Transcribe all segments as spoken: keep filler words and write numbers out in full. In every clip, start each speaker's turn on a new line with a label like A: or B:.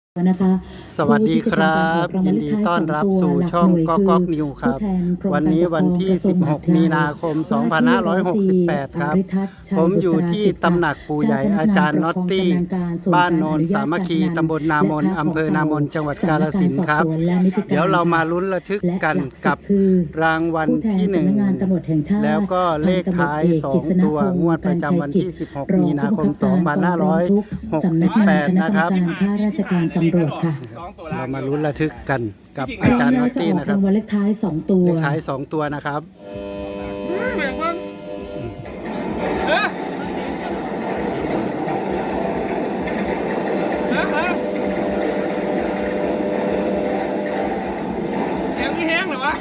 A: นะคะ
B: สวัสดีครับยินดีต้อนรับสู่ช่องก๊อกก๊อกนิวครับวันนี้วันที่สิบหกมีนาคมสองพันห้าร้อยหกสิบแปดครับผมอยู่ที่ตำหนักปู่ใหญ่อาจารย์น็อตตี้บ้านโนนสามัคคีตำบลนามนอำเภอนามนจังหวัดกาฬสินธุ์ครับเดี๋ยวเรามาลุ้นระทึกกันกับรางวัลที่หนึ่งแล้วก็เลขท้ายสองตัวงวดประจำวันที่สิบหกมีนาคมสองพันห้าร้อยหกสิบแปดนะครับ
A: ข้าราชการตำรวจค่ะ
B: เรามาลุ้นระทึกกันกับอาจารย์น็อตตี้นะครับ
A: รางวัลเลขท้ายสองตัว
B: เลขท้ายสองตัวนะครับ
C: เสียงนี่แห้งเหรอวะ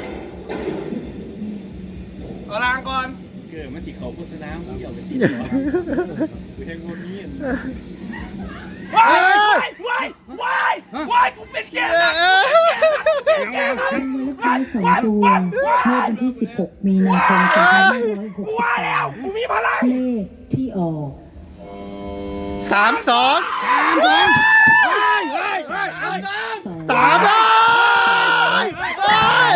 C: เอาลางก่อนเกิดมันติดเขาโฆษณาผู้เหี่ยวไปติดหัวคือแห้งโมนี้ว้ายว้ายว้ายว้ายกูเป็นแก่แล้วเป็นแก่แล้ว
A: รางวัลเลขท้ายสองตัวเมื่อวันที่สิบหกมีนาคมสองพันห้าร้อยหกสิบ
C: กูว่าแล้วกูมีพลัง
A: เลขที่ออก
B: สามสอง
C: ว้ายว้ายว้ายว้าย
B: สามว้ายว้าย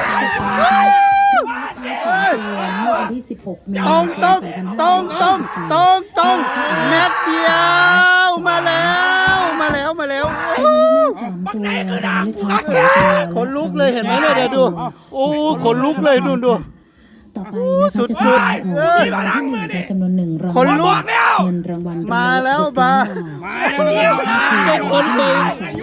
B: ตรงตรงตรงตรงตรงตรงเม็ดเดียวมาแล้วมาแล้วมาแล้วขนลุกเลยเห็นไหมเนี่ยเดี๋ยวดูโอ้ขนลุกเลยดูดู
A: ต่อไปนะคะสุดสุดเอ้ยจำนวนหนึ่งรางวัลเงินรางวัล
B: มาแล้วมาไม่คนเลย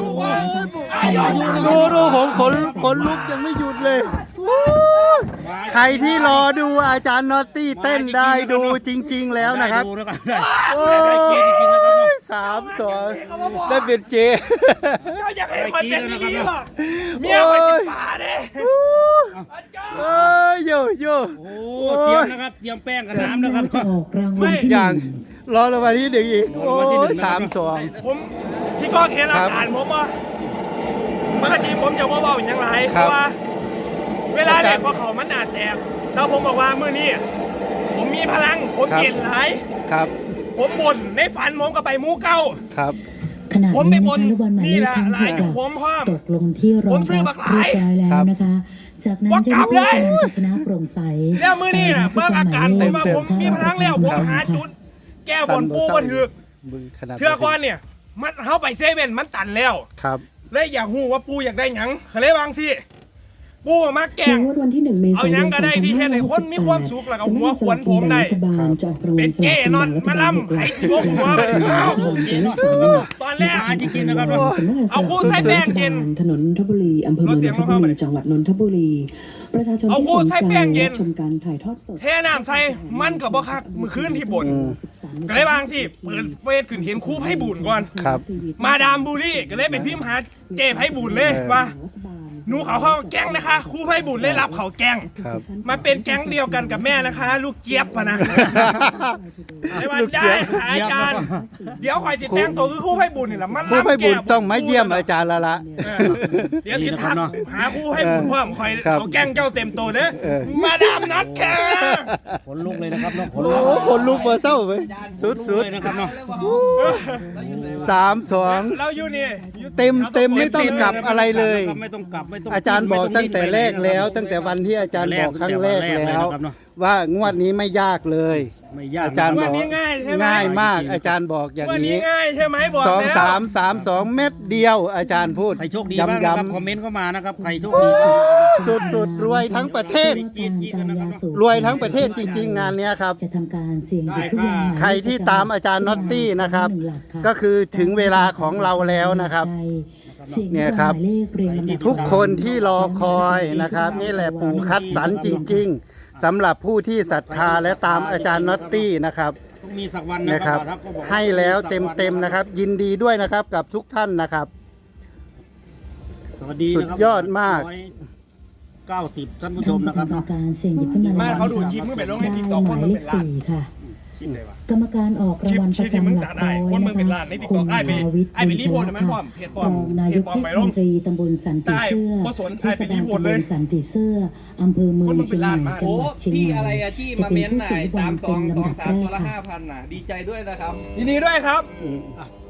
B: ดูดูผมขนขนลุกยังไม่หยุดเลยใครที่รอดูอาจารย์น็อตตี้เต้นได้ดูจริงๆแล้วนะครับโอ้ยสามสองได้เป็นเจ
C: อยากให้คนเป็นดีๆหรอเมียไปติดป่าเด้
B: เอ้ยโยโย่
D: โอ้เตรียมนะครับเตรียมแป้งกับน้ำนะครับ
B: ไม่อย่างรอรางวัลที่หนึ่งอีกโอ้ยสามสอง
C: ผมพี่ก้องเห็นอาการผมว่าเมื่อกี้ผมจะว่าว่าอย่างไรเพราะว่าเวลาเด็กพอเขามันอาจแตกแต่ผมบอกว่าเมื่อนี้ผมมีพลังผมเย็นหลาย
B: ครับ
C: ผมบ่นในฝันผมก็ไปมูเก้า
B: ครับ
A: ขณะนี้นะคะลูกบอลหมายเลขทั้งหกตกลงที่รองรับเรียบร้อยแล้วนะคะจากนั้นจะมีการชนะโปร่งใส
C: แล้วมือนี่นะเมื่ออาการผมว่าผมมีพลังแล้วผมหาจุดแก้บนปูมาถือเทือกก้อนเนี่ยมันเข้าไปเซเว่นมันตันแล้ว
B: ครับ
C: และอยากหูว่าปูอยากได้หยังเขาเลยบางสิปูมาแกงเอาหยังก็ได้ที่เห็นให้คนมีความสุขแล้วก็หัวขวนผมได้เป็นเก้นอนมาล่ำไห้ที่หัวตอนแรก
D: จริงๆนะครับ
C: เอาคู่ใส่แป้งกิน
A: ถนนนนทบุรีอำเภอเมืองนนทบุรีจังหวัดนนทบุรีประชาชนที่สนใจชมการถ่ายทอดสด
C: เทน้ำใส่มันกับบ่คักมือคืนที่บ่นก็เลยบางสิเปิดเฟซขึ้นเห็นคู่ไพ่บุญก่อนมาดามบุรีก็เลยเป็นพิมพ์หาเจ้ไพ่บุญเลยว่าหนูเขาเข้าแก๊งนะคะครูไพ่บุญได้รับเขาแก๊งมาเป็นแก๊งเดียวกันกับแม่นะคะ ลูกเจี๊ยบปะนะไม่ว่าได้อาจารย์เดี๋ยวคอยติดแจ้งตัวคือครูไพ่บุญนี่แหละมัน
B: ครูไพ่บุญต้องมาเยี่ยมอาจารย์ละละ
C: เดี๋ยวติดทักหาครูไพ่บุญเพิ่มคอยเขาแก๊งเจ้าเต็มตัวเด้อมาดามนัดแค่
D: ขนลุกเลยนะครับน้อง
B: ขนลุกขนลุกมาเศร้าไปสุดๆ
D: นะครับน้อง
B: สามสอง
C: เราอยู่นี่
B: เต็มเต็มไม่ต้องกลับอะไรเลย
D: ไม่ต้องกลับไม่ต้อง
B: อาจารย์บอกตั้งแต่แรกแล้วตั้งแต่วันที่อาจารย์บอกครั้งแรกแล้วว่างวดนี้ไม่ยากเลย
D: ไม่ยาก
B: อาจารย์บอกง่ายมากอาจารย์บอกอย่างนี้
C: ง่ายใช่ไหมบอก
B: สองสามสามสองเม็ดเดียวอาจารย์พูด
D: ใครโชคดีบ้างครับคอมเมนต์เข้ามานะครับใครโชคดี
B: สุดสุดรวยทั้งประเทศรวยทั้งประเทศจริงๆงานนี้ครับ
A: จะทำการเสี่ยง
B: ใครที่ตามอาจารย์น็อตตี้นะครับก็คือถึงเวลาของเราแล้วนะครับเนี่ยครับทุกคนที่รอคอยนะครับนี่แหละปู่คัดสรรจริงๆสำหรับผู้ที่ศรัทธาและตามอาจารย์น็อตตี้นะครับ
D: มีสักวัน
B: นะครับให้แล้วเต็มๆนะครับยินดีด้วยนะครับกับทุกท่านนะครับ
D: สวัสดี
B: สุดยอดมาก
D: เก้าสิบท่านผู้ชมนะครับ
A: การเสี่ยงหยิบขึ้นมา
C: เขาดูคลิปเมื่อเป็นลงในติ๊กต็อกคน
A: เมื่อเป็นล้านค่ะกรรมการออกรางวัลประจำหลักร้อย
C: คนเมืองเป็นล้านในติ๊กต็อกไอ้ไปไอ้ไปรีโพสต์มันพร้อมเพจพร้อม
A: นายกเทศมนตรีตำบลสันติเสื้อเทศบาลตำบลสันติเสื้ออำเภอเมืองเชียงใหม่จังหวัดเชียงใหม่
E: อะไรอะที่มาเม้นต์ไหนสามสองสองสามตัวละห้าพันน่ะดีใจด้วยนะครับ
C: ยินดีด้วยครับ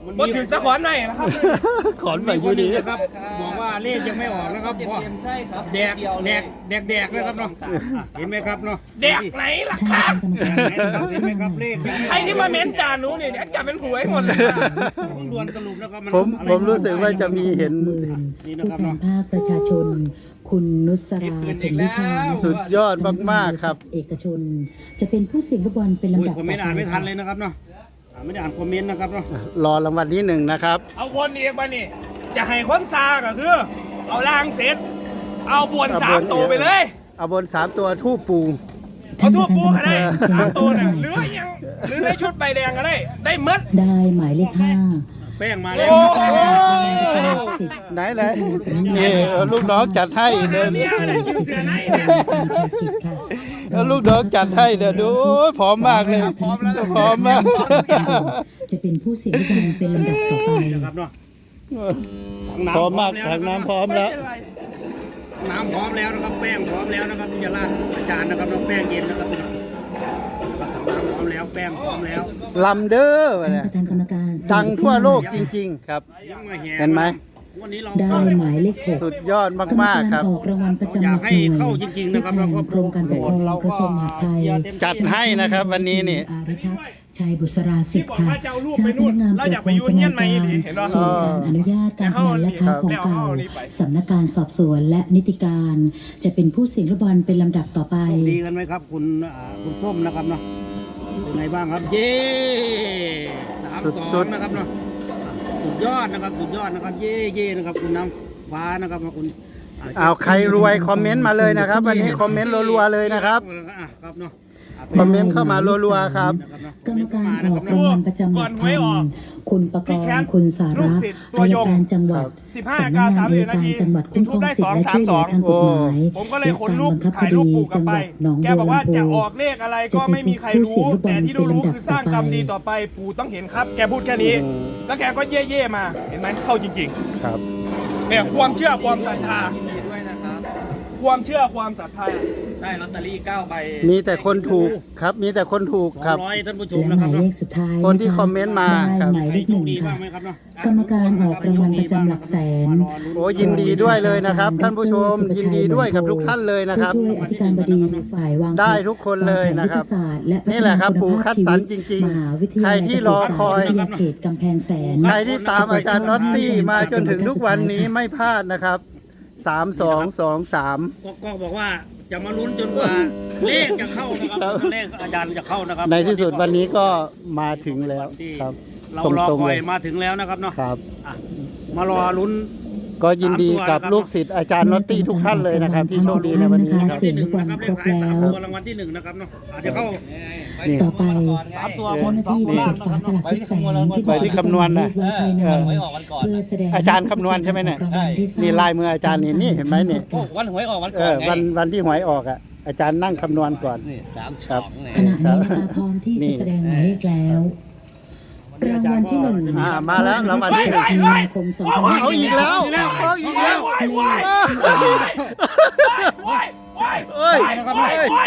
C: บ่ถึงตะขอนไหนนะครับ
B: ขอนไป
D: มี
B: อ
D: ค
B: ยู่
D: นหนึ่
B: ดี
D: งนะครับบอกว่าเลขยังไม่ออกนะครับเพราะ
E: ใช่ครับ
D: แดกแดกแดกแดกนะครับเนาะอ่ะเห็นไหมครับเนาะ
C: แดกไหนล่ะ
A: ท่าน
C: ครับ
A: คณะกรรมการ
D: เห็นไหมครับเลขยังไม่ออก
C: ใครที่มาเม้นด่าหนูเนี่ยเดี๋ยวจับเป็นหวยหมดเลย
D: ผมด่วนสรุปนะครับน
B: ผม
D: อะไร
B: ผมรู้สึกว่าจะมีเห็น
A: หมื่น
D: นี่นะ
A: ผู้
D: ครับ
A: แท
D: เนาะ
A: นภาคประชาชน คุณนุสราเข็มวิชา
B: สุดยอดมากๆครับ
A: เอกชน จะเป็นผู้เสี่ยงลูกบอลเป็น
D: อุ้ย
A: ลำดับ
D: คอมเมนต์อ่านไม่ทันเลยนะครับเนาะอ่านไม่ได้อ่านคอมเมนต์นะครับเนาะ
B: รอรางวัลที่หนึ่งนะครับ
C: เอาวนอีกมานี่จะให้คนซาก็คือ เอาล่างเสร็จ เอาบวนสามตัวไปเลย
B: เอาบนสามตัวทูปปู
C: เอาทั่วปูก็ได้สามตัวน่ะหรือยังหรือในชุดใบแดงก็ได้ ได้หมด
A: ได้หมายเลขห้า
D: แป้งมาแล้ว
C: โอ้
B: ไหนไหนนี่เอาลูกน้องจัดให้เดิน
C: เนี่ยอะไรกินเสือไหนเนี่ย
B: เอาลูกน้องจัดให้เดี๋ยวดูโอ้ยพร้อมมากเลยพร้อมแล้วพร้อมมาก
A: จะเป็นผู้เสี่ยงลูกบอลเป็นลำดับต่อไป
D: นะครับเนาะ
B: พร้อมมากทางน้ำพร้อมแล้ว
D: น้ำพร้อมแล้วนะครับแป้งพร้อมแล้วนะครับที่จะราดอาจารย์นะครับน้องแป้งเย็นนะครับครับน้ำพร้อมแล้วแป้งพร้อมแล้ว
B: ลำเด้อวะ
A: ท่าน
B: เนี่ย
A: ประธานกรรมการ
B: ดังทั่วโลกจริง ๆ ครับ
D: ยังมาแห่
B: เห็นไหม
D: วันนี้เรา
A: ได้หมายเลขหก
B: สุดยอดมากๆครับ
A: ออกรางวัลประจำห
D: อ
A: ลั
D: ยาก
A: ก
D: ให้
A: หน่วย
D: เข้าจริงๆนะครับแล้วก็
A: กรมการปกครองกระทรวงมหาดไทย
B: จัดให้นะครับวันนี้นี่
A: อาริทัศน์ชัยบุษราสิทธิ์ค่ะ
C: ที่บอกว่าจะเอารูปไปนู่นแล้วอยากไปยุ่งเงี้ยนไหมอีหลีเห็นปะ
A: ส่วนการอนุญาตการพนันและค้าของเก่าสำนักการสอบสวนและนิติการ จะเป็นผู้เสี่ยงลูกบอลเป็นลำดับต่อไป
D: โชคดีกันไหมครับคุณอ่าคุณส้มนะครับเนาะเป็นไงบ้างครับเย้สาม
B: สุ
D: สอ
B: ด
D: ง
B: ๆ
D: นะครับเนาะสุดยอดนะครับสุดยอดนะครับเย่เย่นะครับคุณน้ำฟ้านะครับคุณ
B: เอาใครรวยคอมเมนต์มาเลยนะครับ วันนี้คอมเมนต์รัวๆเลยนะครับ
D: อ่ะครับเนาะ
B: คอมเมนต์เข้ามารัวๆครับ
A: กรรมการออกรางวัลประจำหลักพันคุณประกรณ์คุณสาระอายการจังหวัด
C: สิบห้า
A: สำ
C: นา
A: นั
C: ฬิ
A: ก
C: กาง
A: าน
C: สาม
A: อั
C: สิ
A: ย
C: บนา
A: การ
C: ที
A: จังหวัดคุ้มครองสิทธิ์และช่วยเหลือทางกฎหมาย
C: ผมก็เลย
A: และ
C: ขน
A: การ
C: รูป
A: บังคับค
C: ถ่าย
A: ดี
C: รูปปู่กลั
A: จั
C: บ
A: งห
C: ไป
A: วัดหนอง
C: แก
A: บัว
C: บอกว่า
A: ลำพู
C: จะออกเลขอะไรก็ไม่มีใครรู้ แต่ที่รู้ๆคือสร้างกรรมดีต่อไปปู่ต้องเห็นครับ แกพูดแค่นี้ แล้วแกก็เย่ๆมาเห็นไหมเข้าจริง
B: ครับ
C: ๆเนี่ยความเชื่อความศรัทธา
E: ดีด้วยนะครับ
C: ความเชื่อความศรัทธา
E: ได้ลอตเตอรี่เก้าใบ
B: มีแต่คนถูกครับ มีแต่คนถูก
D: สอง
B: ครับ
D: ร้อยท่านผู้ชม
A: และ
D: นะ
A: ห
D: ครั
A: มา
D: บ
A: ยเล
D: เนาะ
A: ขสุดท้าย
B: คนที่คอมเมนต์มาครับ
A: ได้หมาย
D: ใค
A: เล
D: ร
A: ข
D: โช
A: หนึ่
D: ค
A: ง
D: ดีบ้า
A: ค่ะ
D: งไหมครับเนาะ
A: กรรมการออกรางวัลประจำหลักแสน
B: โอ้ยินดีด้วยเลยนะครับ ท่านผู้ชมยินดีด้วยกับทุกท่านเลยนะครับ
A: ผู้ช่วยอธิการบดีฝ่ายวาง
B: ได้ทุกคนเลยนะครับ
A: วางแผวิทยาศาสตร์และ
B: นี่แหละครับปู่คัดสรรจริงๆ
A: มหาวิทยาลัย
B: ใครที่รอคอย
A: วิทยาเขตกำแพงแสน
B: ใครที่ตามอาจารย์น็อตตี้มาจนถึงทุกวันนี้ไม่พลาดนะครับสามสองสองสาม
D: ก็ก็บอกว่าจะมาลุ้นจนกว่าเลขจะเข้านะครับเลขอาจารย์จะเข้านะครับ
B: ในที่สุดวันนี้ก็มาถึงแล้วครับ
D: เรา
B: ต
D: รอ
B: รง
D: ค
B: ๆ
D: อ
B: เลย ย
D: มาถึงแล้วนะครับเนาะ
B: ครับ
D: อ่ะมารอลุ้น
B: ก็ยินดีกับลูกศิษย์อาจารย์น็อตตี้ทุกท่านเลยนะครับ ที่โชคดีในวันนี้ครับ
D: ที่หนึ่งนะครับเลขท้ายสามตัวรางวัลที่หนึ่งนะครับเนาะอาจจะเข้า
B: นี่
A: ต่อไป
D: สามตัว
A: เจ้าหน้าที่จะเปิดฝากระดาษที่แสงที่
B: ไปที่คำนวณนะ
A: ไว้ภายใน
E: เออไว้ออกวันก่อน
A: เพื่อแสดง
B: อาจารย์คำนวณใช่ไหมเนี่ย
A: รางวัลที่สร้ง
B: นี่ลายมืออาจารย์นี่นี่เห็นไหมนี่
E: โอ้วันหวยออกวัน
B: เอ
E: ก่อน
B: อ
E: ไง
B: วันวันที่หวยออกอ่ะอาจารย์นั่งคำนวณก่อน
E: นี่สาม
B: ครั
E: สอบ งเนี่ย
A: ขณะนี้นะคะพร้อมที่
B: นี่
A: จะแสดงหมายเลขแล้วรางวัลที่หนึ่ง
B: อ่ามาแล้วรางวัลที่หนึ่ง
A: มีนาคมสองพันห้าร้ย
B: เอาอีกแล้วเอาอีกแล้ว
C: ว้ายว้ายว้ายว้ายว้าย
B: เอ้ย
C: ว้ายว้าย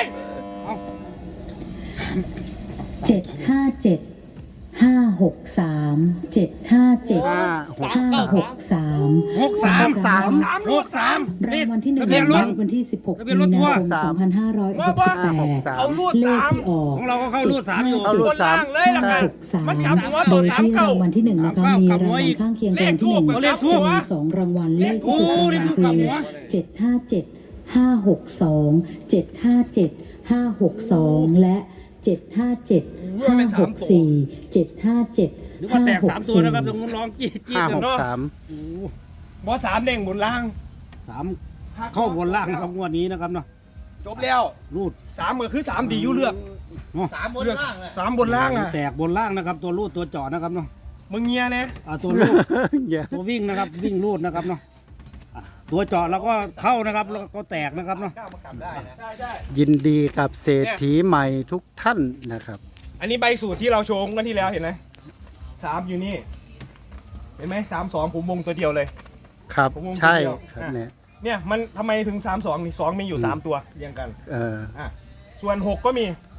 A: เจ็ดห้าเจ็ดห้าหกสามเจ็ดห้าเจ็ด
B: ห้าหก
A: ห้าหกสาม
D: หกสาม
B: สาม
C: สามลูกสาม
A: รางวัลที่หนึ่ง
D: ทะเบียนรถ
A: วันที่สิบหก
D: ทะเบียน
A: มี
D: รถทัว
A: นา
D: ร์
A: คมสองพันห้าร้อยหกสิบแป
B: ห้าหก
A: ด
B: สาม
C: เขารูด
A: เลข
C: สาม
A: ที่ออก
D: ของเราก็เข้ารูดสามอยู่
B: เข้ารู
C: บ
B: ด
C: นล่างเลยนะค
A: ห้า
C: รับ
A: หกสาม
C: มันกลับหัว
A: โด
C: ตัวย สาม
A: ที่
C: เก้าร
A: างวัลที่หนึ่งนะคะมีรางวัลข้างเคียงรางวัลที่หนึ่ง
C: เลขทูป
A: จะมีสองรางวัลเลขที่ถูกรางวัลคือเจ็ดห้าเจ็ดห้าหกสองเจ็ดห้าเจ็ดห้าหกสองและเจ็ดห้าเจ็ดห้าหกสี่เจ็ดห้าเจ็ด
D: นึกว่า
A: ห้า
D: แตก
A: หก
D: สามตัว
A: สี่
D: นะครับตรงนู้นร้องจี๊ดจี๊ด
B: ห้า
D: กั
B: ห
D: น
B: ก
D: เนาะ
B: สาม
D: โอ้โห
C: บอสามเด้งบนล่าง
D: สามเข้าบนล่างนะครับงวดนี้นะครับเนาะ
C: จบแล้ว
D: รูด
C: สามก็คือสามดีอยู่เลือก
D: เนาะ
E: สามบนล่างอะ
C: สามบนล่างอ่ะ
D: แตกบนล่างนะครับ ตัวรูดตัวเจาะนะครับเนาะ
C: มึงเงียนะ
D: อ่าตัวรูด
B: อย่า
D: ตัววิ่งนะครับ วิ่งรูดนะครับเนาะอ่ะตัวเจาะแล้วก็เข้านะครับแล้วก็แตกนะครับเนาะ
C: ก้าวมากลับได้นะใช่ใช่
B: ยินดีกับเศรษฐีใหม่ทุกท่านนะครับ
C: อันนี้ใบสูตรที่เราโชว์กันที่แล้วเห็นไหมสามอยู่นี่ เห็นไหมสามสองผมวงตัวเดียวเลย
B: ครับ
C: ผมวง
B: ใช่
C: คนเดียว
B: ครับ
C: อ่ะ
B: เนี่ย
C: เนี่ยมันทำไมถึงสามสองนี่สองมีอยู่สามตัวเรียงกัน
B: เออ
C: อ่ะส่วนหกก็มี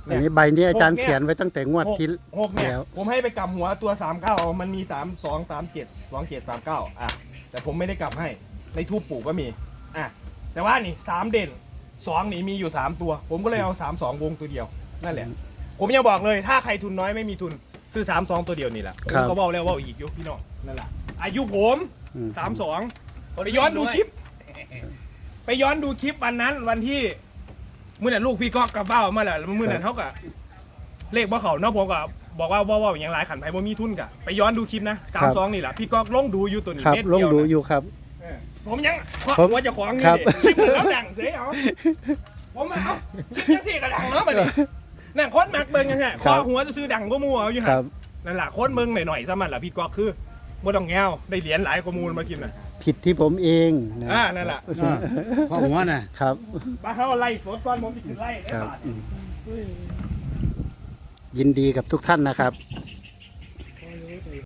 B: อันนี้ใบนี้อาจารย์เขียนไว้ตั้งแต่งวดที่
C: หกเนี่ย
B: แล้ว
C: ผมให้ไปกลับหัวตัวสามเก้ามันมีสามสองสามเจ็ดสองเจ็ดสามเก้าอ่ะแต่ผมไม่ได้กลับให้ในทูปปู่ก็มีอ่ะแต่ว่านี่สามเด่นสองนี่มีอยู่สามตัว ผมก็เลยเอาสามสองวงตัวเดียวนั่นแหละผมยังบอกเลยถ้าใครทุนน้อยไม่มีทุนซื้อสามสองตัวเดียวนี่แหละผมก็บอกแล้วว่าอีกยุพี่น้องนั่นแหละอายุผม
B: อืม
C: สามสองไปย้อนดูคลิป ไปย้อนดูคลิปวันนั้นวันที่มื่อนั้นลูกพี่ก็กลับบ้านมาแล้วมื่อนั้นเขาก็เลขว่าเขาเนาะผมก็บอกว่าว่าว่าอย่างไรขันไผ่บ่มีทุนกะไปย้อนดูคลิปนะสามสองนี่แหละพี่ก็ลงดูอยู่ตัวนี้
B: ครับ
C: เม็ด
B: ลง
C: เดียว
B: ดู
C: นะ
B: อยู่ครับ
C: เออผมยัง
B: ผม
C: ว่าจะขวางนี่
B: ครับ
C: คลิปแล้วดังเสียเอาผมมาเอายังสี่กระดังเนาะมาดินั่งโคตรมักเบิ่งยังไงคอหัวจะซื้อดังก็มัวเอาอยู่
B: ค
C: ฮะ
B: รับ
C: นั่นแหละโคตรเบิ่งหน่อยๆซะมันแหละพี่ก็คือบ่ต้องแงวได้เหรียญหลายข้อมูลมากินน่ะ
B: ผิดที่ผมเองนะ
C: อ่านั่นแหละ
D: ข้อหัวน่ะ
B: ครับ
C: ป้าเขาไล่สดก่อนผมไปถึงไล่ได้
B: ครับ
C: บาท
B: อืมยินดีกับทุกท่านนะครับ